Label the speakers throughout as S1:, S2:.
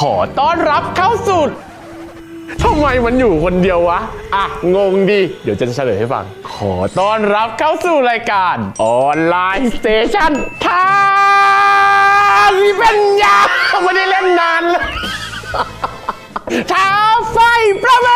S1: อต้อนรับเข้าสู่ทำไมมันอยู่คนเดียววะงงดิเดี๋ยวจะเฉลยให้ฟังขอต้อนรับเข้าสู่รายการออนไลน์สเตชันท้าวิเป็นยาไม่ได้เล่นนานเลยท้าไฟประเมิ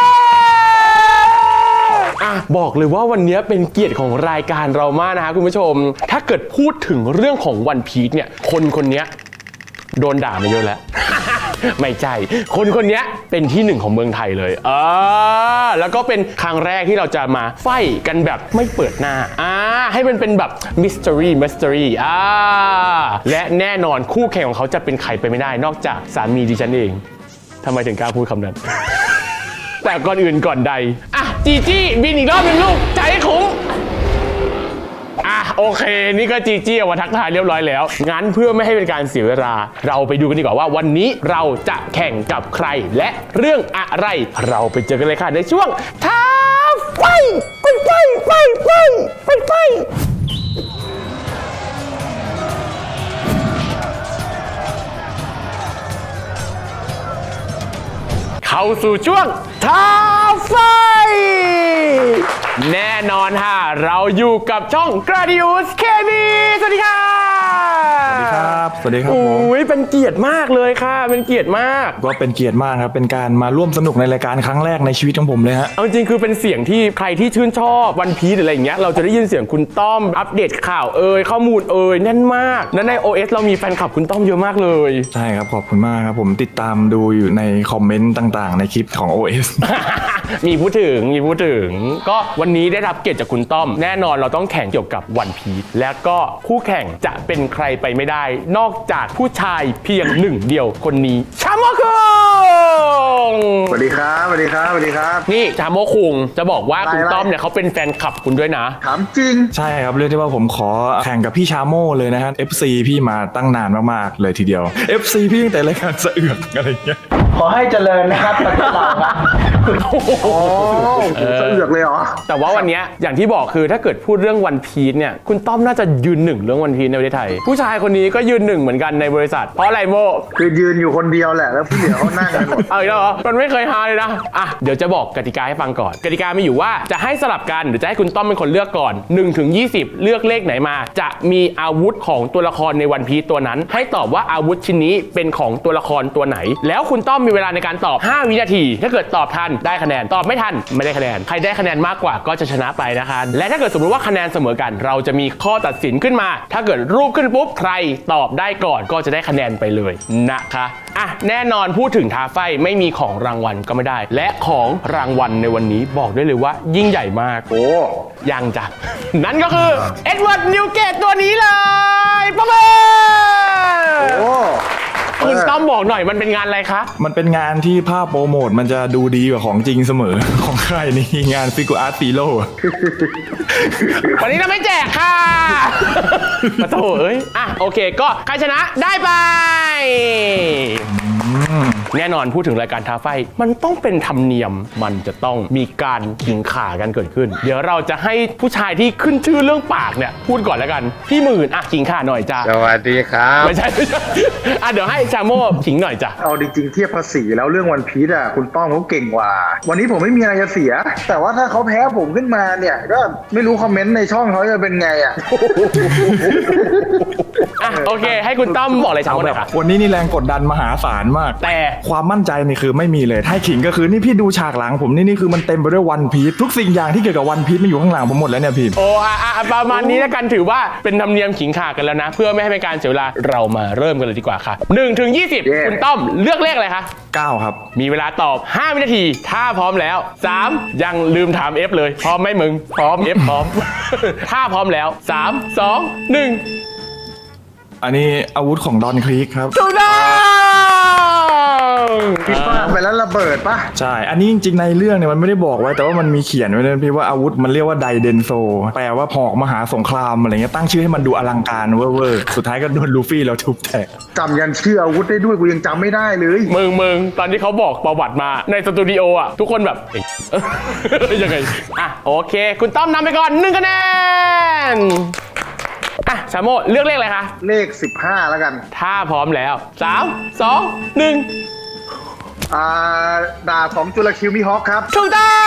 S1: นบอกเลยว่าวันนี้เป็นเกียรติของรายการเรามากนะฮะคุณผู้ชมถ้าเกิดพูดถึงเรื่องของวันพีซเนี่ยคนนี้โดนด่ามาเยอะแล้ว ไม่ใช่คนนี้เป็นที่หนึ่งของเมืองไทยเลยแล้วก็เป็นครั้งแรกที่เราจะมาไฟกันแบบไม่เปิดหน้าให้มันเป็นแบบมิส t ตอรี่และแน่นอนคู่แข่งของเขาจะเป็นใครไปไม่ได้นอกจากสามีดิฉันเองทำไมถึงกล้าพูดคำนั้น แต่ก่อนอื่นก่อนใดจีจี้บินอีกรอบนึงลูกใจคุ้มโอเคนี่ก็จีจี้เอามาทักทายเรียบร้อยแล้วงั้นเพื่อไม่ให้เป็นการเสียเวลาเราไปดูกันดีกว่าว่าวันนี้เราจะแข่งกับใครและเรื่องอะไรเราไปเจอกันเลยค่ะในช่วงท้าไฟเข้าสู่ช่วงท้าไฟแน่นอนค่ะเราอยู่กับช่อง Gradius KB สวัสดีค่ะ
S2: สวัสดีครับผม
S1: เป็นเกียรติมากเลยค่ะเป็นเกียรติมาก
S2: ก็เป็นเกียรติมากครับเป็นการมาร่วมสนุกในรายการครั้งแรกในชีวิตของผมเลยฮะ
S1: เอาจริงคือเป็นเสียงที่ใครที่ชื่นชอบวันพีซอะไรอย่างเงี้ยเราจะได้ยินเสียงคุณต้อมอัปเดตข่าวข้อมูลแน่นมากและใน OS เรามีแฟนคลับคุณต้อมเยอะมากเลย
S2: ใช่ครับขอบคุณมากครับผมติดตามดูอยู่ในคอมเมนต์ต่างๆในคลิปของ OS
S1: มีพูดถึงก็วันนี้ได้รับเกียรติจากคุณต้อมแน่นอนเราต้องแข่งเกี่ยวกับวันพีซและก็คู่แข่งจะเป็นใครไปไม่ได้นอกจากผู้ชายเพียงหนึ่งเดียวคนนี้ชาโมคุง
S3: สวัสดีครับ
S1: นี่ชาโมคุงจะบอกว่าคุณต้อมเนี่ยเขาเป็นแฟนคลับคุณด้วยนะ
S3: ถามจริง
S2: ใช่ครับเรียกได้ว่าผมขอแข่งกับพี่ชาโมเลยนะฮะ FC พี่มาตั้งนานมากๆเลยทีเดียว FC พี่ตั้งแต่รายการสะเอือกอะไรเงี้ย
S3: ขอให้เจริญนะครับประเทศเราสะเอือกเลยเหรอ
S1: แต่ว่าวันนี้อย่างที่บอกคือถ้าเกิดพูดเรื่องวันพีซเนี่ยคุณต้อมน่าจะยืนหนึ่งเรื่องวันพีซในประเทศไทยผู้ชายคนนี้ก็ยืนหนึ่งเหมือนกันในบริษัทเพราะอะไรโม
S3: คือยืนอยู่คนเดียวแหละแล้วผู้เหลือเขานั่งกันหมด
S1: อีกแล้วเหรอมันไม่เคยฮาเลยนะเดี๋ยวจะบอกกติกาให้ฟังก่อนกติกามีอยู่ว่าจะให้สลับกันหรือจะให้คุณต้อมเป็นคนเลือกก่อน1 ถึง 20เลือกเลขไหนมาจะมีอาวุธของตัวละครในวันพีซตัวนั้นให้ตอบว่าอาวุธชิ้นนี้เป็นของตัวละครตัวไหนแล้วคุณต้อมมีเวลาในการตอบ5 วินาทีถ้าเกิดตอบทันได้คะแนนตอบไม่ทันไม่ได้คะแนนใครได้คะแนนมากกว่าก็จะชนะไปนะคะและถ้าเกิดสมมติว่าคะแนนเสมอกันเราจะมีข้อตัดสินขึ้นมาถ้าเกิดรูปขึ้นปุ๊บใครตอบได้ก่อนก็จะได้คะแนนไปเลยนะคะแน่นอนพูดถึงท้าไฟไม่มีของรางวัลก็ไม่ได้และของรางวัลในวันนี้บอกได้เลยว่ายิ่งใหญ่มากยังจ้ะนั่นก็คือเอ็ดเวิร์ดนิวเกตตัวนี้เลยประเมินคุณต้อมบอกหน่อยมันเป็นงานอะไรคะ
S2: มันเป็นงานที่ภาพโปรโมทมันจะดูดีกว่าของจริงเสมอของใครนี่งานฟิกูอาร์ตซีโร่
S1: วันนี้เราไม่แจกค่ะมาโถโอเคก็ใครชนะได้ไปแน่นอนพูดถึงรายการท้าไฟมันต้องเป็นธรรมเนียมมันจะต้องมีการขิงข่ากันเกิดขึ้นเดี๋ยวเราจะให้ผู้ชายที่ขึ้นชื่อเรื่องปากเนี่ยพูดก่อนแล้วกันพี่หมื่นขิงข่าหน่อยจ้า
S3: สวัสดีครับ
S1: ไม่ใช่เดี๋ยวให้ชาโม่ขิงหน่อยจ้ะ
S3: เอาจริงๆเทียบภาษีแล้วเรื่องวันพีซคุณต้อมเขาเก่งกว่าวันนี้ผมไม่มีอะไรจะเสียแต่ว่าถ้าเขาแพ้ผมขึ้นมาเนี่ยก็ไม่รู้คอมเมนต์ในช่องเขาจะเป็นไง
S1: โอเคให้คุณต้อมบอกเลยชาโม่หน่อยค่ะ
S2: วันนี้นี่แรงกดดันมหาศาลมาก
S1: แต่
S2: ความมั่นใจนี่คือไม่มีเลยถ้าขิงก็คือนี่พี่ดูฉากหลังผมนี่คือมันเต็มไปด้วยวันพีซทุกสิ่งอย่างที่เกี่ยวกับวันพีซมันอยู่ข้างหลังผมหมดแล้วเนี่ยพี่
S1: ประมาณนี้แล้วกันถือว่าเป็นธรรมเนียมขิงข่ากันแล้วนะเพื่อไม่ให้เป็นการเสียเวลาเรามาเริ่มกันเลยดีกว่าค่ะ1 ถึง 20คุณต้อมเลือกเลขอะไรคะ
S2: 9ครับ
S1: มีเวลาตอบ5 วินาทีถ้าพร้อมแล้ว3ยังลืมถาม F เลยพร้อมไหมมึงพร้อม F พร้อมถ้าพร้อมแล้ว3 2 1
S2: อันนี้อาวุธของดอนครีกครับ
S1: ถูกต้อง
S3: พี่ป้าไปแล้วระเบิดป่ะ
S2: ใช่อันนี้จริงๆในเรื่องเนี่ยมันไม่ได้บอกไว้แต่ว่ามันมีเขียนไว้เลยพี่ว่าอาวุธมันเรียกว่าไดเดนโซแปลว่าหอกมหาสงครามอะไรเงี้ยตั้งชื่อให้มันดูอลังการเวอร์สุดท้ายก็โดนลูฟี่แล้วทุบแตก
S3: จำยันชื่ออาวุธได้ด้วยกูยังจำไม่ได้เลย
S1: มึงตอนที่เขาบอกประวัติมาในสตูดิโอทุกคนแบบยังไงโอเคคุณต้อมนำไปก่อน1 คะแนนชาโม่เลือกเลขอะไรคะ
S3: เลข15แล้วกัน
S1: ถ้าพร้อมแล้ว3 2 1
S3: ดาบของจุลคิวมิฮอคครับ
S1: ถูกต้อง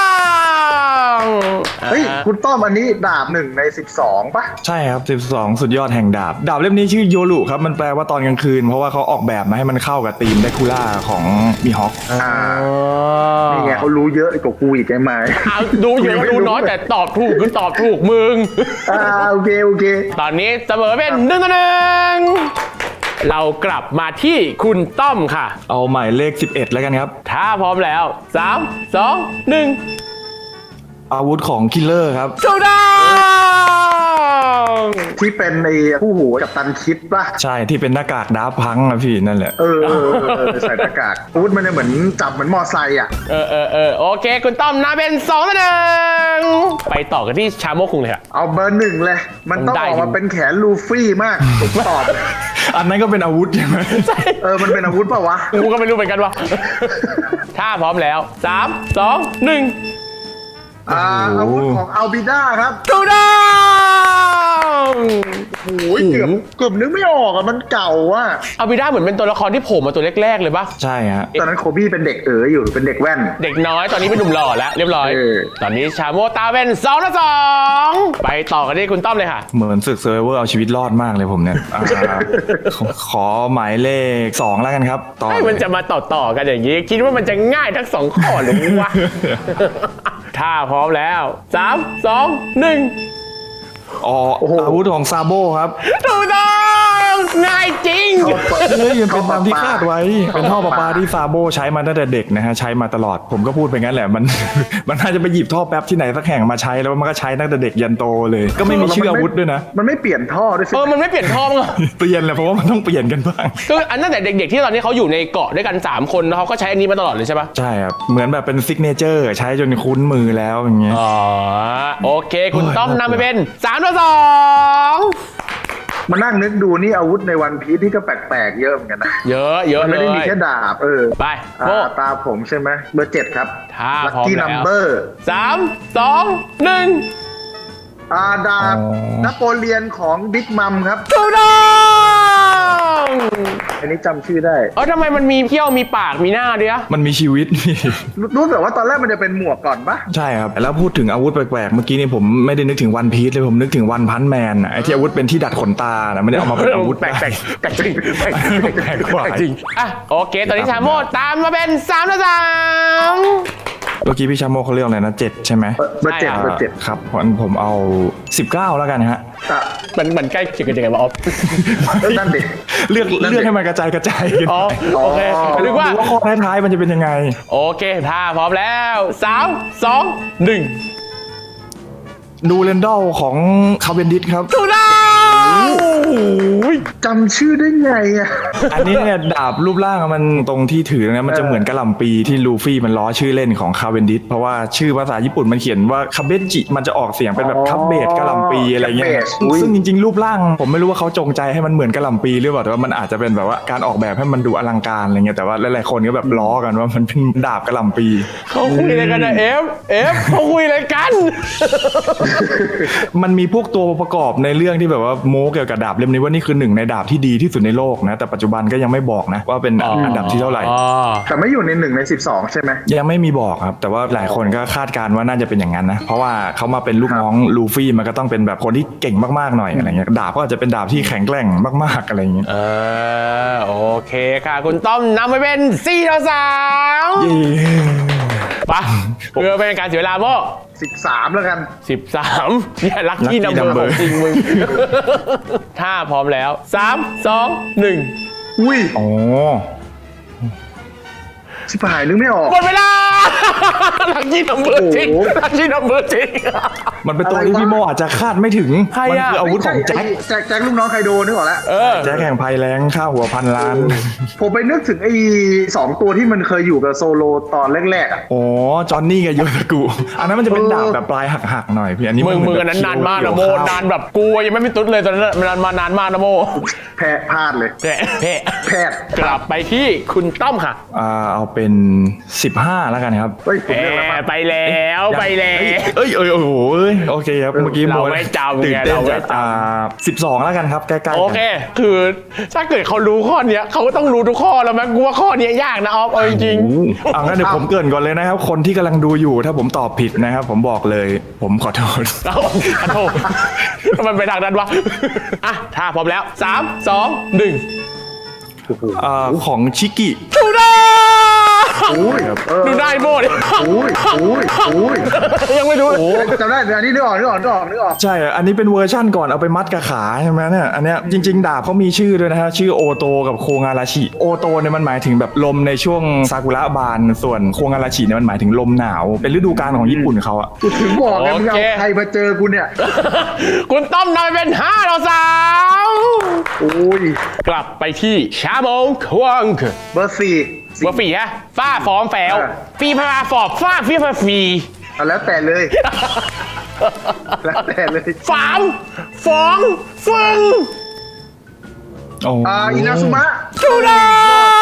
S3: เฮ้ยคุณต้อมอันนี้ดาบ1 ใน 12ปะ
S2: ใช่ครับ12สุดยอดแห่งดาบดาบเล่มนี้ชื่อโยรุครับมันแปลว่าตอนกลางคืนเพราะว่าเขาออกแบบมาให้มันเข้ากับธีมเดคูล่าของมีฮอค
S3: นี่ไงเขารู้เยอะกว่ากูอีกไอ้ไม้
S1: ดูเยอะดูน้อยแต่ตอบถูกคือตอบถูกมึง
S3: โอเค
S1: ตอนนี้เสมอเป็น1-1เรากลับมาที่คุณต้อมค่ะ
S2: เอาหมายเลข11แล้วกันครับ
S1: ถ้าพร้อมแล้ว 3 2 1
S2: อาวุธของคิลเลอร์ครับ
S1: ถูกต้อง
S3: ที่เป็นในผู้หูกับตันคิดปะ
S2: ใช่ที่เป็นหน้ากากดาบพังอะพี่นั่นแหละ
S3: ใส่หน้ากากอาวุธมันจะเหมือนจับเหมือนมอไซค์อ่ะ
S1: โอเค คุณต้อมนำเป็น2-1ไปต่อกันที่ชาโมกคุงเลยค่ะ
S3: เอาเบอร์ 1เลย มันต้อง
S1: ได้
S3: ออกมาเป็นแขนลูฟี่มากผมตอบ
S2: อันนั้นก็เป็นอาวุธใช่ไหม
S3: มันเป็นอาวุธเปล่าวะ
S1: กูก็ไม่รู้เหมือนกันว่า ถ้าพร้อมแล้ว 3 2 1
S3: อาวุธของอัลบิด้าครับ
S1: ถูกต้อง
S3: โอ้ยเกือบนึกไม่ออกอ่ะมันเก่าอ่ะ
S1: อาบิด้าเหมือนเป็นตัวละครที่โผล่มาตัวแรกๆเลยปะ
S2: ใช่ฮะ
S3: ตอนนั้นโคบี้เป็นเด็กอยู่เป็นเด็กแว่น
S1: เด็กน้อยตอนนี้เป็นหนุ่มหล่อแล้วเรียบร้อย ตอนนี้ชาโมตาเป็น2-2ไปต่อกันที่คุณต้อมเลยค่ะ
S2: เหมือนศึกเซอร์ไวเวอร์เอาชีวิตรอดมากเลยผมเนี่ยขอหมายเลข2แล้วกันครับต่อ
S1: ให้มันจะมาต่อกันอย่างนี้ คิดว่ามันจะง่ายทั้ง2ข้อหรือวะ ถ้าพร้อมแล้ว 3 2 1
S2: อาวุธของซาโบครับ
S1: ถูกต้องง่ายจริง
S2: เฮ้ยมันเป็นตามที่คาดไว้ เป็นท่อประปาที่ซาโบใช้มาตั้งแต่เด็กนะฮะใช้มาตลอดผมก็พูดไปงั้นแหละมัน มันน่าจะไปหยิบท่อแป๊บที่ไหนสักแห่งมาใช้แล้วมันก็ใช้ตั้งแต่เด็กยันโตเลย ก็ไม่มีชื่ออาวุธด้วยนะ
S3: มันไม่เปลี่ยนท่อด้วยสิ
S1: มันไม่เปลี่ยนท่อมั้งเหรอ
S2: เปลี่ยนแหละเพราะว่ามันต้องเปลี่ยนกันบ้าง
S1: คืออันตั้งแต่เด็กๆที่ตอนนี้เขาอยู่ในเกาะด้วยกัน3คนแล้วเขาก็ใช้อันนี้มาตลอดเลยใช่ปะ
S2: ใช่ครับเหมือนแบบเป็นซิกเนเจอร์ใช้จนคุ้นมือแล้วอย่างเงี้ย
S1: อ๋อโอเค คุณต้อมนำไปเป็น3-2
S3: มานั่งนึกดูนี่อาวุธในวันพีซที่ก็แปลกๆเยอะเหมือนกันนะ
S1: เยอะ
S3: มัน
S1: เล
S3: ไม่ได้มี
S1: ย
S3: แค่ดาบ
S1: ไปโบ
S3: ตาผมใช่ไหมเบอร์ 7ครับ
S1: ถ้า
S3: ลัค
S1: พร้อม
S3: กี้
S1: แล้
S3: นัม
S1: ว
S3: เบอร์
S1: 3 2 1
S3: ดาบนโปเลียนของบิ๊กมัมครับ
S1: ถูกต้อง
S3: อันนี้จำชื่อได้
S1: ทำไมมันมีเขี้ยวมีปากมีหน้าด้วยอะ
S2: มันมีชีวิต พี่
S3: รู้แต่ว่าตอนแรกมันจะเป็นหมวกก่อนปะ
S2: ใช่ครับแล้วพูดถึงอาวุธแปลกๆเมื่อกี้นี่ผมไม่ได้นึกถึงวันพีซเลยผมนึกถึงวันพันแมนไอ้ที่อาวุธเป็นที่ดัดขนตานะไม่ได้เอามาเป็นอาวุธ
S1: แปลกจริงแปลก
S2: แปลกกว่า
S1: จริงอ่ะโอเค ตอนนี้ชาโมตามมาเป็น3-3
S2: เมื่อกี้พี่ชาโมเขาเรียกอะไรนะ7ใช่ไหม
S3: เบอร์ 7 เบอร์ 7
S2: ครับงั้นผมเอา19แล้วกันฮะ
S1: มันใกล้เคียงกันยังไงวะออฟ
S3: นั่นดิ
S2: เลือกให้มันกระจายกัน
S1: อ๋อโอเคนึกว่า
S2: ดูว่าข้อท้ายๆมันจะเป็นยังไง
S1: โอเคถ้าพร้อมแล้ว3 2 1
S2: ดูเรนดอลของคาเวนดิสครับ
S1: ถูกต้อง
S3: จำชื่อได้ไงอ่ะ
S2: อันนี้เนี่ยดาบรูปร่างมันตรงที่ถือนะมันจะเหมือนกะหล่ำปีที่ลูฟี่มันล้อชื่อเล่นของคาเวนดิสเพราะว่าชื่อภาษาญี่ปุ่นมันเขียนว่าคาเบจิมันจะออกเสียงเป็นแบบคับเบดกะหล่ำปีอะไรเงี้ย
S3: Cabbage อุ๊ย
S2: ซึ่งจริงๆรูปร่างผมไม่รู้ว่าเขาจงใจให้มันเหมือนกะหล่ำปีหรือเปล่าแต่ว่ามันอาจจะเป็นแบบว่าการออกแบบให้มันดูอลังการอะไรเงี้ยแต่ว่าหลายๆคนก็แบบล้อกันว่ามันเป็นดาบกะหล่ำปี
S1: เขาคุยอะไรกันนะเอฟเขาคุยอะไรกัน
S2: มันมีพวกตัวประกอบในเรื่องที่แบบว่าโม้เกี่ยวกับดาบเล่มนี้ว่านี่คือหนึ่งในดาบที่ดีที่สุดในโลกนะแต่ปัจจุบันก็ยังไม่บอกนะว่าเป็นอันดับที่เท่าไหร่
S3: แต่ไม่อยู่ใน1 ใน 12 ใช่ไหม
S2: ยังไม่มีบอกครับ แต่ว่าหลายคนก็คาดการณ์ว่าน่าจะเป็นอย่างนั้นนะเพราะว่าเขามาเป็นลูกน้องลูฟี่มันก็ต้องเป็นแบบคนที่เก่งมากๆหน่อยอะไรเงี้ยดาบก็อาจจะเป็นดาบที่แข็งแกร่งมากๆอะไรเงี้ย
S1: โอเคค่ะ คุณต้อมนำไปเป็น4-3
S2: เย้
S1: ไปะเพื่อเป็นการเสียเวลาโม่
S3: 13 แล้วกัน
S1: 13เนี่ยลัคกี้นัมเบอร์ของจริงมึง ถ้าพร้อมแล้ว 3 2 1
S3: อุ้ย
S2: อ๋อ
S3: ชิบหายนึกไม่ออก
S1: หมดเวลา ลัคกี้นัมเบอร์จริง
S3: โอ้โห
S1: ลัคกี้นัมเบอร์จริง
S2: มันเป็นตัวที่พี่โมอาจจะคาดไม่ถึง
S1: ใคร
S2: มั
S1: อะ
S2: คืออาวุธของแจ็ค
S3: แจ็คลูกน้องไคโดนึกออกแล้ว
S2: แจ็คแห่งภัยแรงค่าหัว1,000,000,000
S3: ผมไปนึกถึงไอ้2 ตัวที่มันเคยอยู่กับโซโลตอนแรกๆอ่ะ
S2: อ๋อจอห์นนี่กับโยตากุอันนั้นมันจะเป็นดาบแบบปลายหักๆหน่อยพี่อันนี้
S1: มึง
S2: เห
S1: อันนั้นนานมากนะโม
S2: เขียวๆ
S1: นานแบบกูยังไม่ตุ๊ดเลยตอนนั้นมันมานานมากนะโม
S3: แพ้พลาดเลย
S1: แพะ
S3: แพทย์
S1: กลับไปที่คุณต้อมค่ะ
S2: เอาเป็น15แล้วกันกันครับ
S3: เฮ้ยผมเลือกแล้ว
S1: ไปแล้วไปแล้ว
S2: เอ้ยโอ้โหโอเคครับเมื่อกี้
S1: เราไม่จำไง
S2: ตื่นเต้น
S1: เราไม่
S2: จาก
S1: จ
S2: 12แล้วกันครับใกล้ๆกัน
S1: โอเค คือถ้าเกิดเขารู้ข้อเนี้ยเขาก็ต้องรู้ทุกข้อแล้วมั้งกูว่าข้อเนี้ยยากนะออฟเอาจริง
S2: เอางั้นเดี๋ยวผมเกริ่นก่อนเลยนะครับ คนที่กำลังดูอยู่ถ้าผมตอบผิดนะครับ ผมบอกเลย ผมขอโทษ
S1: ๆเอาขอโทษมันไปทางนั้นวะอ่ะถ้าพร้อมแล้ว3 2 1
S2: ของชิกิ
S1: ดูได้
S3: อุ้ย
S1: ดูได้โบด
S3: อุ้ย
S1: ยังไม่รู้เลย
S3: จำได้อันนี้นึกออก
S2: ใช่ อันนี้เป็นเวอร์ชั่นก่อนเอาไปมัดกับขาใช่ไหมเนี่ย อันเนี้ยจริงๆดาบเขามีชื่อด้วยนะฮะ ชื่อโอโตกับโคงาราชิ โอโตเนี่ยมันหมายถึงแบบลมในช่วงซากุระบาน ส่วนโคงาราชิเนี่ยมันหมายถึงลมหนาว เป็นฤดูกาลของญี่ปุ่นเขาอะ
S3: กูถึงบอกไงมึงเอาใครมาเจอกูเนี่ย
S1: คุณต้อมนำไปเป็น5 ต่อ 3
S3: อุ้ย
S1: กลับไปที่ชาโมงควง
S3: เบอร์สี่
S1: เบอร์4ฮะฝ้าฟอมแฝวฟีพาฟอบฝ้าฟีพาฟี
S3: เอาแล้วแต่เลย แล้วแต่เลย
S1: ฝามฟองฟึง
S2: โอ้
S3: อินาซุมะ
S1: ดูดัง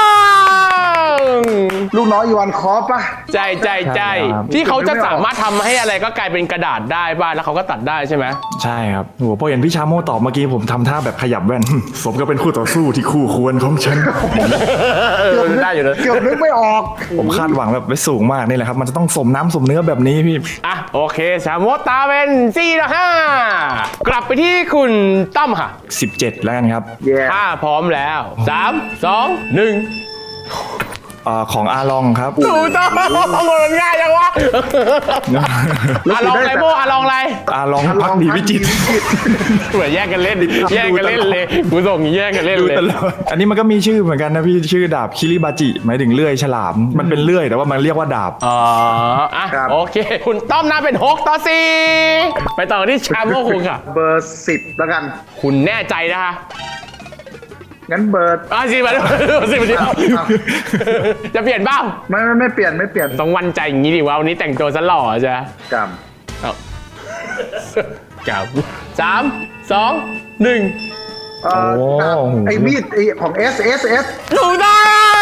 S3: ลูกน้อยอีวานคอฟปะ
S1: ใจที่เขาจะสามารถทำให้อะไรก็กลายเป็นกระดาษได้บ้างแล้วเขาก็ตัดได้ใช่ไหม
S2: ใช่ครับโหพอเห็นพี่ชาโมตอบเมื่อกี้ผมทำท่าแบบขยับแว่น สมก็เป็นคู่ต่อสู้ที่คู่ควรของฉัน
S1: ได้อยู่นะ
S3: เกือบนึกไม่ออก
S2: ผมคาดหวังแบบไว้สูงมากนี่แหละครับ มันจะต้องสมน้ำสมเนื้อแบบนี้พี่
S1: อ่ะโอเคชาโมตาเป็น4 ต่อ 5 กลับไปที่คุณต้อมค่ะ
S2: 17 แล้วกันครับ
S3: แย่
S1: ถ้าพร้อมแล้ว3 2 1
S2: ของอาลองครับ
S1: ถูกต้องมันง่ายจังวะอะลองอะไรโบอะลองอะไร
S2: อาลองพักดีวิจิตร
S1: เหมือนแย่งกันเล่นเลยกูส่งแย่งกันเล่นเลย
S2: อันนี้มันก็มีชื่อเหมือนกันนะพี่ชื่อดาบคิริบาจิหมายถึงเลื่อยฉลาม มันเป็นเลื่อยแต่ว่ามันเรียกว่าดาบ
S1: อ๋ออ่ะโอเค คุณต้อมน่าเป็น6 ต่อ 4 ไปต่อที่ชาโมคุงค่ะ
S3: เบอร์10แล้วกัน
S1: คุณแน่ใจนะคะ
S3: งั้นเบอร์
S1: สิมาสิจะเปลี่ยนเปล่า
S3: ไม่เปลี่ยน
S1: ต้องวันใจอย่างนี้ดิว่าวันนี้แต่งตัวซะหล่อจ้ะ
S3: กรรม
S1: เอากับ3 2 1
S3: ไอ้มีดของ S
S1: ถูกต้อง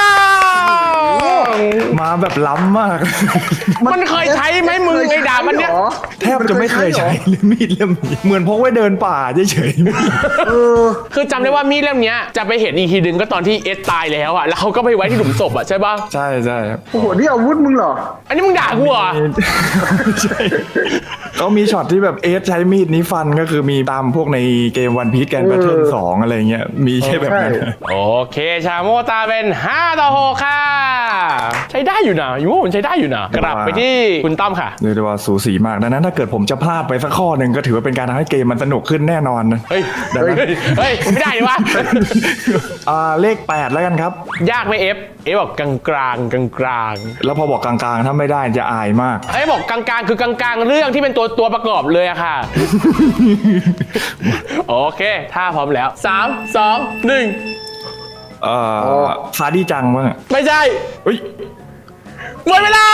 S2: มาแบบล้ำมาก
S1: มันเคยใช้ไหมมือไอ้ดาบมันเนี้ย
S2: แทบจะไม่เคยใช้เลยมีดเล่มนี้เหมือนพกไว้เดินป่าเฉย
S1: คือจำได้ว่ามีดเล่มเนี้ยจะไปเห็นอีกทีนึงก็ตอนที่เอสตายแล้วอะแล้วเขาก็ไปไว้ที่หลุมศพอะใช่ปะ
S2: ใช่ครับ
S3: โอ้โหนี่อาวุธมึงเหรอ
S1: อันนี้มึงด่ากูเหรอ
S2: ใช่เขามีช็อตที่แบบเอสใช้มีดนี้ฟันก็คือมีตามพวกในเกมวันพีซแกนแบทเทิล2อะไรเงี้ยมีแค่แบบนั้น
S1: โอเคชาโมตาเป็น5 ต่อ 6 ค่ะ ใช้ได้อยู่นะอยู่ว่ามันใช้ได้อยู่นะกลับไปที่คุณต้อมค่ะ
S2: เรียกได้ว่าสูสีมากดังนั้นถ้าเกิดผมจะพลาดไปสักข้อหนึ่งก็ถือว่าเป็นการทำให้เกมมันสนุกขึ้นแน่นอนนะ
S1: เฮ้ย
S2: ดังนั้น
S1: ไม่ได้ดิวะ
S2: เลข 8 แล้วกันครับ
S1: ยากไหมเอฟบอกกลางกลาง
S2: แล้วพอบอกกลางๆถ้าไม่ได้จะอายมาก
S1: บอกกลางคือกลางเรื่องที่เป็นตัวประกอบเลยอะค่ะ โอเค ถ้าพร้อมแล้ว3 2 1
S2: ซาดี้จังมั้ง
S1: ไม่ใช่
S2: เฮ้ย
S1: หมดเวลา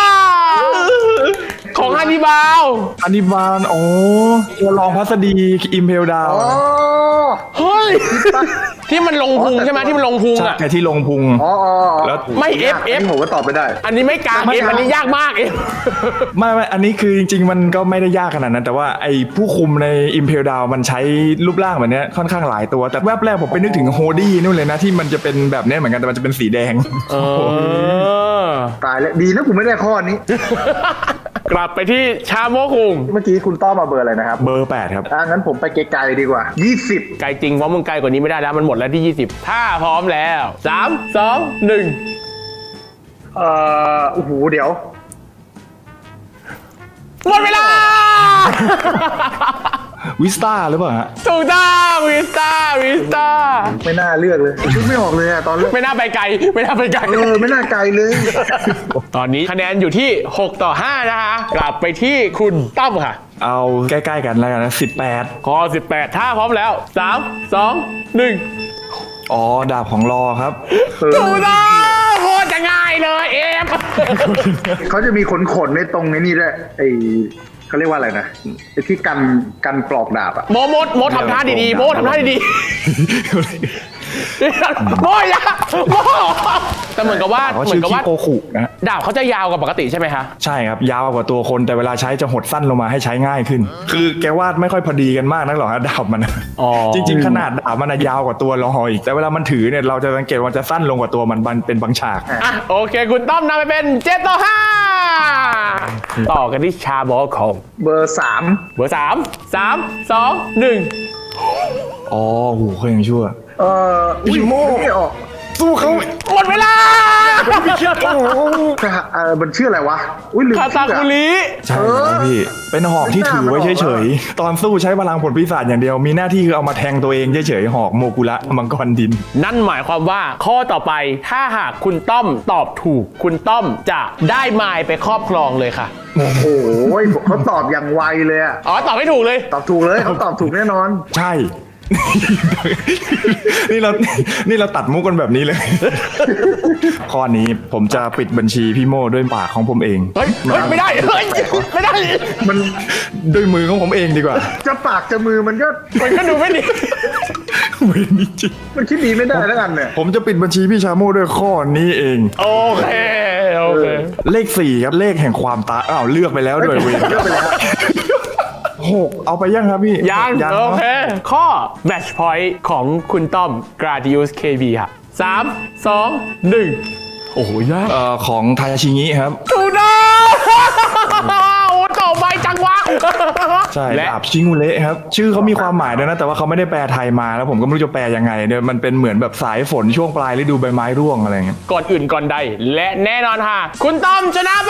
S1: ของฮันนิบาล
S2: อันนี้บานโอ้ตัวรองพัสดีอิมเพลดาว
S3: อ๋อ
S1: เฮ้ย ที่มันลงพุงใช่ไหมที่มันลงพุง
S2: ใช่
S1: อะ
S2: แค่ที่ลงพุง
S3: อ๋อ
S2: แล้ว
S1: ไม่ F
S3: ผมก็ตอบไม่ได้
S1: อันนี้ไม่กลาง
S2: ไม่
S1: F อันนี้ยากมาก F
S2: ไม่อันนี้คือจริงๆ มันก็ไม่ได้ยากขนาดนั้น แต่ว่าไอ้ผู้คุมใน Impel Down มันใช้รูปร่างแบบเนี้ยค่อนข้างหลายตัว แต่แวบแรกผมไปนึกถึงโฮดี้นู่นเลยนะ ที่มันจะเป็นแบบเนี้ยเหมือนกัน แต่มันจะเป็นสีแดง
S3: ตายแล้วดีนะผมไม่ได้ข้อนี้
S1: กลับไปที่ชาโมคุง
S3: เมื่อกี้คุณต้อมมาเบอร์อะไรนะครับ
S2: เบอร์ 8 ครับ
S3: งั้นผมไปไกลๆดีกว่า 20
S1: ไกลจริงเพราะมึงไกลกว่านี้ไม่ได้แล้วมันหมดแล้วที่ 20 ถ้าพร้อมแล้ว3 2 1
S3: โอ้โหเดี๋ยว
S1: หมดเวลา
S2: วิสตาหรือเปล่าฮะ
S1: ถูกต้องวิสตา
S3: ไม่น่าเลือกเลยคิดไม่ออกเลยอะตอนเลือก
S1: ไม่น่าไปไกล
S3: ไม่น่าไกลเลย
S1: ตอนนี้คะแนนอยู่ที่6 ต่อ 5 นะคะ กลับไปที่คุณตั้มค่ะ
S2: เอาใกล้ๆกันแล้วกันนะ18
S1: ข้อ 18 ถ้าพร้อมแล้ว3 2 1
S2: อ๋อ ดาบของรอครับ
S1: ถูกต้องโคตรจะง่ายเลยเอฟ
S3: เขาจะมีขนในตรงนี้ด้วยเขาเรียกว่าอะไรนะไอ้ที่กันปลอกดาบอะ
S1: โมทำท่าดีๆโมทำท่าดีๆโมอย่าโมแต่เหมือนกับว่า
S2: เขา
S1: เหมื
S2: ชื่
S1: อน
S2: อ
S1: กับ
S2: คิ
S1: ว่า
S2: โกคุนะ
S1: ดาบเขาจะยาวกว่าปกติใช่ไหมคะ
S2: ใช่ครับยาวกว่าตัวคนแต่เวลาใช้จะหดสั้นลงมาให้ใช้ง่ายขึ้น คือแกวาดไม่ค่อยพอดีกันมากนักหรอกฮะดาบมัน
S1: อ๋อ
S2: จริง ๆ ขนาดดาบมันยาวกว่าตัวเราอีกแต่เวลามันถือเนี่ยเราจะสังเกตว่าจะสั้นลงกว่าตัวมันเป็นบางฉาก
S1: อ่ะโอเค คุณต้อมนำไปเป็น7-5ต่อกันที่ชาบอลของ
S3: เบอร์3
S1: เบอร์3 1
S2: อ๋อโหเขายังชั่ว
S3: พี่โม่ไม่ออก
S2: สู้เขา
S1: หมดเวลา
S3: มันชื่ออะไรวะอุ้ยลืม
S1: คา
S3: ชื่
S1: ซา
S3: อ
S1: คุ
S3: อะ
S1: ริ
S2: ใช่ครับพี่เป็นหอกที่ถือไว้เฉยๆตอนสู้ใช้พลังผลปีศาจอย่างเดียวมีหน้าที่คือเอามาแทงตัวเองเฉยๆหอกโมกุระมังกรดิน
S1: นั่นหมายความว่าข้อต่อไปถ้าหากคุณต้อมตอบถูก คุณต้อมจะได้ไมล์ไปครอบครองเลยค่ะ
S3: โอ้โหเขาตอบอย่างไวเลยอะ
S1: อ๋อตอบไม่ถูกเลย
S3: ตอบถูกเลยเขาตอบถูกแน่นอน
S2: ใช่ นี่เราตัดมุกกันแบบนี้เลย ข้อนี้ผมจะปิดบัญชีพี่โม่ด้วยปากของผมเอง
S1: เฮ้ยไม่ได้เฮ้ยไม่ได้
S3: มัน
S2: ด้วยมือของผมเองดีกว่า
S3: จะปากจะมือมันก็
S1: มันก็ดูไม่ดี
S2: เวรนี้จริง
S3: มันคิดดีไม่ได้แล้วกันเนี่ย
S2: ผมจะปิดบัญชีพี่ชาโม่ด้วยข้อนี้เอง
S1: โอเคโอเค
S2: เลข4ครับเลขแห่งความตายอ้าวเลือกไปแล้วด้วยเวร
S3: เลือกไปแล้ว
S2: 6เอาไปยังครับพี่
S1: ยัง
S2: เน
S1: โอ
S2: อะ
S1: เค ข้อ match point ของคุณต้อม Gradius KB ค่ะ3 2 1 โอ้โหยาก
S2: ของทายาชิงิครับ
S1: ถูกต้องโอ้ต่อไปจังวะ
S2: ใช่
S1: และ
S2: ดาบชิงูเละครับ ชื่อเขามีความหมายด้วยนะ แต่ว่าเขาไม่ได้แปลไทยมาแล้วผมก็ไม่รู้จะแปลยังไงเดี๋ยวมันเป็นเหมือนแบบสายฝนช่วงปลายฤดูใบไม้ร่วงอะไรเงี้ย
S1: ก่อนอื่นก่อนใด และแน่นอนค่ะ คุณต้อมชนะไป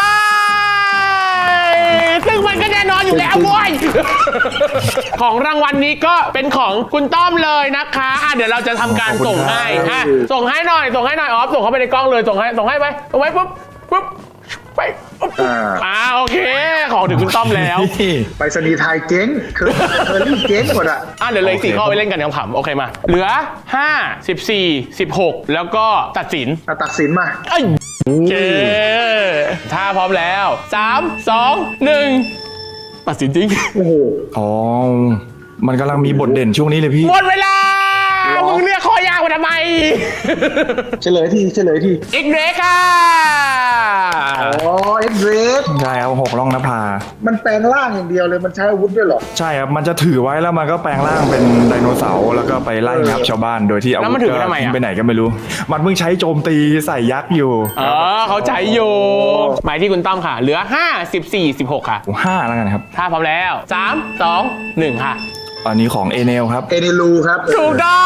S1: ซึ่งมันก็แน่นอนอยู่แล้วเว้ย ของรางวัลนี้ก็เป็นของคุณต้อมเลยนะคะอ่ะเดี๋ยวเราจะทำการส่งให้อ่ะส่งให้หน่อยออฟส่งเข้าไปในกล้องเลยส่งให้ไปปุ๊บไปปุ๊บโอเค ของถึงคุณต้อมแล้ว
S3: ไปสนีย์ไทยเจ๊งเคยรี่เจ๊งหมดอะ
S1: เดี๋ยวเลยอีก4 ข้อไปเล่นกันขำๆโอเคมา เหลือ 5 14 16 แล้วก็ตัดสิน
S3: ตัดสินมา
S1: โอเค ถ้าพร้อมแล้ว 3 2 1 ตัดสินจริง
S3: โอ้โห
S2: อ๋อ มันกำลังมีบทเด่นช่วงนี้เลยพี่
S1: หมดเวลา มึงเรียกข้อยากมาทำไม
S3: เฉลยที
S1: อีกเบรกค่ะ
S3: อ๋อเอ็กเรส
S2: ใช่ครับ6ร่องนภา
S3: มันแปลงร่างอย่างเดียวเลยมันใช้อาวุธด้วยเหรอ
S2: ใช่ครับ มันจะถือไว้แล้วมันก็แปลงร่างเป็นไดโนเสาร์แล้วก็ไปไล่งับชาวบ้านโดยที่อา
S1: แล้ว
S2: วุ
S1: มัน
S2: ธ
S1: ถือ
S2: ก็
S1: ไว้ทำไมอะ
S2: ทิ้งไปไหนก็ไม่รู้ มันเพิ่งใช้โจมตีใส่ยักษ์อยู่
S1: เขาใจอยู่ หมายที่คุณต้อมค่ะ เหลือ 5 14 16 ค่ะ
S2: 5แล้วกันครับ
S1: ถ้าพร้อมแล้ว 3 2 1 ค่ะ
S2: อันนี้ของเอเนลครับ
S3: เอเนลูครับ
S1: ถูกต้อง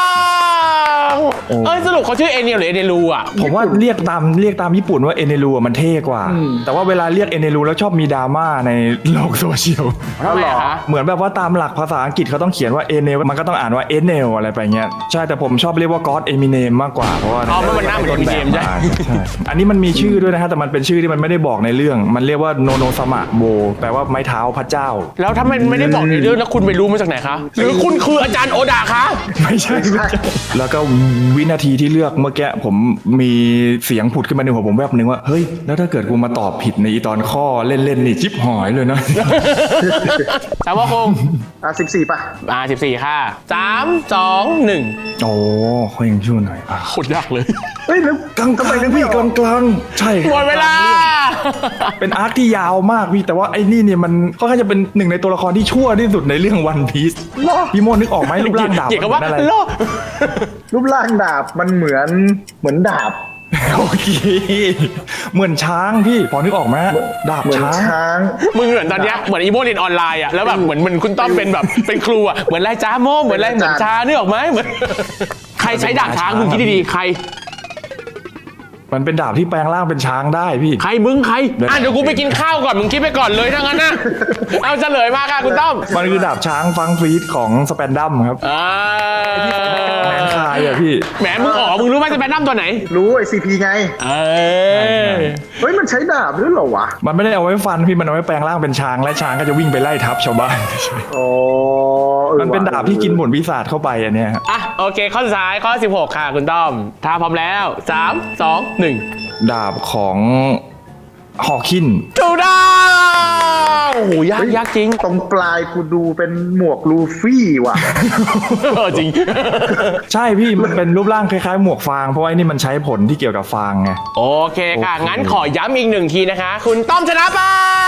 S2: โอ้
S1: สรุปเขาชื่อเอเนียลหรือเอเนลูอ่ะ
S2: ผมว่าเรียกตามญี่ปุ่นว่าเอเนรูมันเท่กว่า แต่ว่าเวลาเรียกเอเนรูแล้วชอบมีดราม่าในโลกโซเชียล
S1: ทำไมอะคะ
S2: เหมือนแบบว่าตามหลักภาษาอังกฤษเขาต้องเขียนว่าเอเนลมันก็ต้องอ่านว่าเอเนลอะไรไปเงี้ยใช่แต่ผมชอบเรียกว่า God Eminem มากกว่าเพราะว่า
S1: มันหน้าเหมือน Eminem ใช่
S2: ใช่อันนี้มันมีชื่อด้วยนะฮะแต่มันเป็นชื่อที่มันไม่ได้บอกในเรื่อง มันเรียกว่าโนโนสมะโบแปลว่าไม้เท้าพระเจ้า
S1: แล้วถ้ามันไม่ได้บอกในเรื่องแล้วคุณไปรู้มาจากไหนคะ หรือคุณคืออาจารย์โอดาคะ
S2: ไม่ใช่ แล้วก็วินาทีที่เลือกเมื่อกี้ผมมีเสียงผุดขึ้นมาในหัวผมแวบนึงว่าเฮ้ยแล้วถ้าเกิดกูมาตอบผิดในอีตอนข้อเล่นๆนี่จิ๊บหอยเลยนะ
S1: สามว่าคง
S3: 14 ป่ะ
S1: 14 ค่ะ 3 2 1
S2: โอ้เขายังช่วยหน่อยอ่ะ
S1: โคตรยากเลย
S3: เฮ้ยแล้ว
S2: กลาง
S3: ทำไมนึก
S2: ๆ
S3: ไม่
S2: พี่
S3: ออก
S2: กลางๆใช่
S1: หมดเวลา
S2: เป็นอาร์คที่ยาวมากพี่แต่ว่าไอ้นี่เนี่ยมันค่อนข้างจะเป็นหนึ่งในตัวละครที่ชั่วที่สุดในเรื่องวันพีซพี่โมนึกออกไหมรูปร่างดาบ
S1: เกี่ยวกับว่า
S2: มันอะไร
S1: โล
S3: รูปร่างดาบมันเหมือนดาบ
S2: โอเคเหมือนช้างพี่พอนึกออกไหมดาบ
S3: เหมือน
S2: ช้าง
S3: ช้าง
S1: มึงเหมือนตอนเนี้ยเหมือนอีโมเรียนออนไลน์อ่ะแล้วแบบเหมือนคุณต้อมเป็นแบบเป็นครูอ่ะเหมือนไรจ้าโมเหมือนไรเหมือนช้านึกออกไหมเหมือนใครใช้ดาบช้างมึงคิดดีๆใคร
S2: มันเป็นดาบที่แปลงร่างเป็นช้างได้พี่
S1: ใครมึงใครเดี๋ยวกูไปกินข้าวก่อนมึงคิดไปก่อนเลยถ้างั้นนะเอาเฉลยมาค่ะคุณต้อม
S2: มันคือดาบช้างฟังฟีดของสแปนดัมครับ แมนคายอะพี่
S1: แหมมึงมึงรู้ไหมจะเป็นน้ำตัวไหน
S3: รู้ไอซีพีไง เฮ้ยมันใช้ดาบด้วยเหรอวะ
S2: มันไม่ได้เอาไว้ฟันพี่มันเอาไว้แปลงร่างเป็นช้างและช้างก็จะวิ่งไปไล่ทับชาวบ้าน
S3: อ๋อ
S2: มันเป็นดาบที่กินผลปีศาจเข้าไปอันเนี้ยครับ
S1: โอเคข้อสุดท้ายข้อ 16 ค่ะคุณต้อมถ้าพร้อมแล้ว 3 2 1
S2: ดาบของฮอคิน
S1: ถูกต้องโอ้โหยากจริง
S3: ตรงปลายกูดูเป็นหมวกลูฟี่ว่ะ
S1: จริง
S2: ใช่พี่มันเป็นรูปร่างคล้ายๆหมวกฟางเพราะว่าไอ้นี่มันใช้ผลที่เกี่ยวกับฟางไง
S1: โอเคค่ะ
S2: โอเค
S1: งั้นขอย้ำอีก1 ทีนะคะ คุณต้อมชนะไป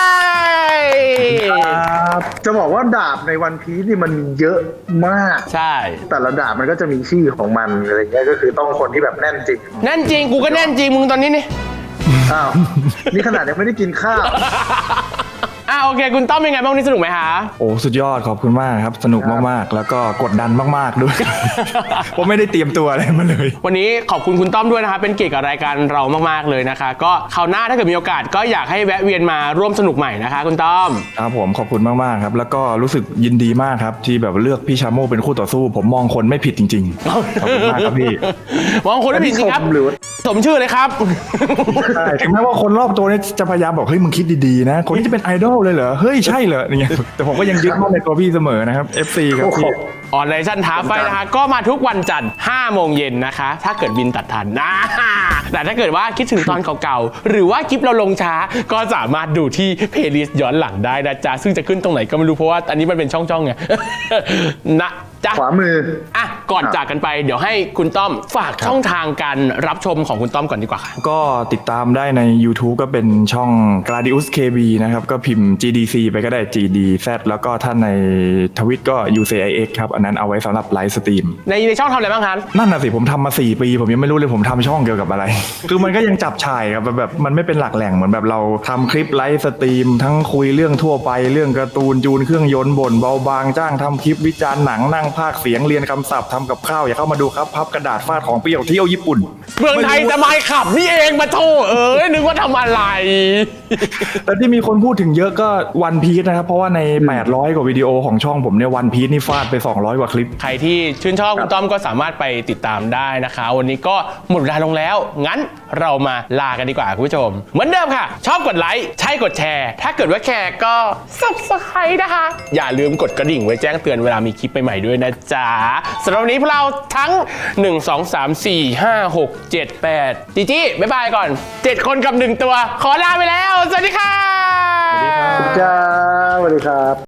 S3: จะบอกว่าดาบในวันพีซนี่มันมีเยอะมาก
S1: ใช่
S3: แต่ละดาบมันก็จะมีชื่อของมันอะไรเงี้ยก็คือต้องคนที่แบบแน่นจริง
S1: แน่นจริงกูก็แน่นจริงมึงตอนนี้นี่
S3: อ้าวนี่ขนาดยังไม่ได้กินข้าว
S1: โอเค คุณต้อมเป็นไงบ้างวันนี้สนุกไหมคะ
S2: โอ้สุดยอดขอบคุณมากครับสนุกมากๆ แล้วก็กดดันมากๆด้วย ผมไม่ได้เตรียมตัวอะไรมาเลย
S1: วันนี้ขอบคุณคุณต้อมด้วยนะคะเป็นเกียรติกับรายการเรามากๆเลยนะคะ ก็คราวหน้าถ้าเกิดมีโอกาสก็อยากให้แวะเวียนมาร่วมสนุกใหม่นะคะคุณต้อม
S2: ครับผมขอบคุณมากๆครับแล้วก็รู้สึกยินดีมากครับที่แบบเลือกพี่ชาโมเป็นคู่ต่อสู้ ผมมองคนไม่ผิดจริงๆ ขอบคุณมากครับพี่
S1: มองคนไม่ผิดจริงครับ
S3: ชมหรือ
S1: สมชื่อเลยครับ
S2: ใช่ถึงแม้ว่าคนรอบตัวเนี่ยจะพยายามบอกเฮ้ยมึงคิดดีๆนะคนที่จะเป็นไอดอลเลยเหรอเฮ้ยใช่เหรออย่างเงี้ยแต่ผมก็ยังยึดมั่นในตัวพี่เสมอนะครับ FC ครับ
S3: โอ้โห
S2: พี่
S1: ออนไลน์ชั่นท้าไฟนะคะก็มาทุกวันจันทร์5 โมงเย็นนะคะ ถ้าเกิดบินตัดทันนะแต่ถ้าเกิดว่าคิดถึงตอนเก่าๆ หรือว่าคลิปเราลงช้าก็สามารถดูที่เพลย์ลิสต์ย้อนหลังได้นะจ๊ะ ซึ่งจะขึ้นตรงไหนก็ไม่รู้เพราะว่าอันนี้มันเป็นช่องๆไง นะจ๊ะ
S3: ขวามือ
S1: ก่อนจากกันไปเดี๋ยวให้คุณต้อมฝากช่องทางการรับชมของคุณต้อมก่อนดีกว่าค่ะ
S2: ก็ติดตามได้ใน YouTube ก็เป็นช่อง Gladius KB นะครับ ก็พิมพ์ GDC ไปก็ได้ GDZ แล้วก็ถ้าในทวิตก็ UCIX ครับ อันนั้นเอาไว้สำหรับไลฟ์สตรีม
S1: ในช่องทำอะไรบ้างคะ
S2: นั่นน่ะสิ ผมทำมา 4 ปี ผมยังไม่รู้เลยผมทำช่องเกี่ยวกับอะไร คือมันก็ยังจับฉ่ายครับแบบมันไม่เป็นหลักแหล่งเหมือนแบบเราทำคลิปไลฟ์สตรีม ทั้งคุยเรื่องทั่วไปเรื่องการ์ตูนจูนเครื่องยนต์บ่นเบาบางจ้างทำคลิปวิจารณ์หนังนั่งพากย์เสียงเรียนคำศัพท์ทำกับข้าวอย่าเข้ามาดูครับพับกระดาษฟาดของเปรี้ยวเที่ยวญี่ปุ่น
S1: เมืองไทยจะไม่ขับนี่เองมาโทษนึกว่าทำอะไร
S2: แต่ที่มีคนพูดถึงเยอะก็วันพีซนะครับ เพราะว่าใน 800 กว่าวิดีโอของช่องผมเนี่ยวันพีซนี่ฟาดไป 200 กว่าคลิป
S1: ใครที่ชื่นชอบคุณต้อมก็สามารถไปติดตามได้นะคะ วันนี้ก็หมดเวลาลงแล้ว งั้นเรามาลากันดีกว่าคุณผู้ชม เหมือนเดิมค่ะ ชอบกดไลค์ใช่กดแชร์ ถ้าเกิดว่าแชร์ก็ Subscribe นะคะ อย่าลืมกดกระดิ่งไว้แจ้งเตือนเวลามีคลิปใหม่ๆด้วยนะจ๊ะสำหรับวันนี้พวกเราทั้ง 1 2 3 4 5 6 7 8จีจี้บ๊ายบายก่อน 7 คนกับ 1 ตัว ขอลาไปแล้ว สวัสดีค่ะ
S2: สวัสดีครับ
S3: จ้าสวัสดีครับ